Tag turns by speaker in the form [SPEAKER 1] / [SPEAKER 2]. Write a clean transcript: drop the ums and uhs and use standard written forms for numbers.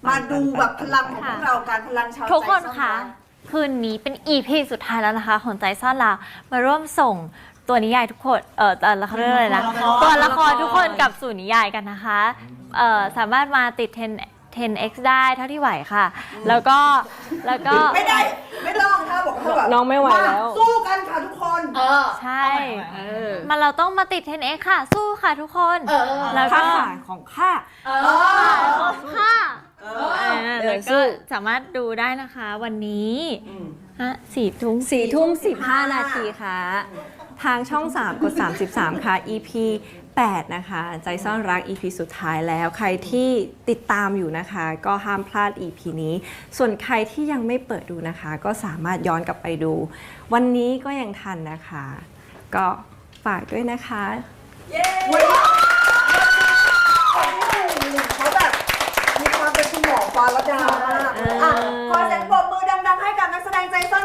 [SPEAKER 1] มาดูแบบพลังของพวกเราการพลังชาวใจ
[SPEAKER 2] ทุกคน
[SPEAKER 1] ซ่อ
[SPEAKER 2] คะ
[SPEAKER 1] รัก
[SPEAKER 2] คืนนี้เป็น EP สุดท้ายแล้วนะคะของใจซ่อนรักมาร่วมส่งตัวนิยายทุกคนเขาเรียกอะไรนะตัวละครทุกคนกลับสู่นิยายกันนะคะสามารถมาติด 10x ได้เท่าที่ไหวค่ะ แล้วก็
[SPEAKER 1] ไม่ได้ไม่ต้องถ้าบอกเขาแบบ
[SPEAKER 3] น้องไม่ไหวแล้ว
[SPEAKER 1] สู้กันค่ะทุกคน
[SPEAKER 2] ใช่มันเราต้องมาติด 10x ค่ะ สู้ค่ะทุกคน แล้วก็
[SPEAKER 3] ค่าของข้า
[SPEAKER 2] ค่ะ
[SPEAKER 3] เดี๋ยว
[SPEAKER 2] แล้ว
[SPEAKER 3] สู้
[SPEAKER 2] ก็สามารถดูได้นะคะวันนี้4 ทุ่ม
[SPEAKER 3] 4 ทุ่ม 15 นาทีค่ะ ทางช่อง 3 กด 33 ค่ะ EP 8 นะคะ ใจซ่อนรัก EP สุดท้ายแล้ว ใครที่ติดตามอยู่นะคะ ก็ห้ามพลาด EP นี้ ส่วนใครที่ยังไม่เปิดดูนะคะ ก็สามารถย้อนกลับไปดู วันนี้ก็ยังทันนะคะ ก็ฝากด้วยนะคะ
[SPEAKER 1] วันนี้เขาแบบมีความเป็นคุณหมอฟ้าระดามากขอเสียงปรบมือดังๆให้กับนักแสดงใจซ่อน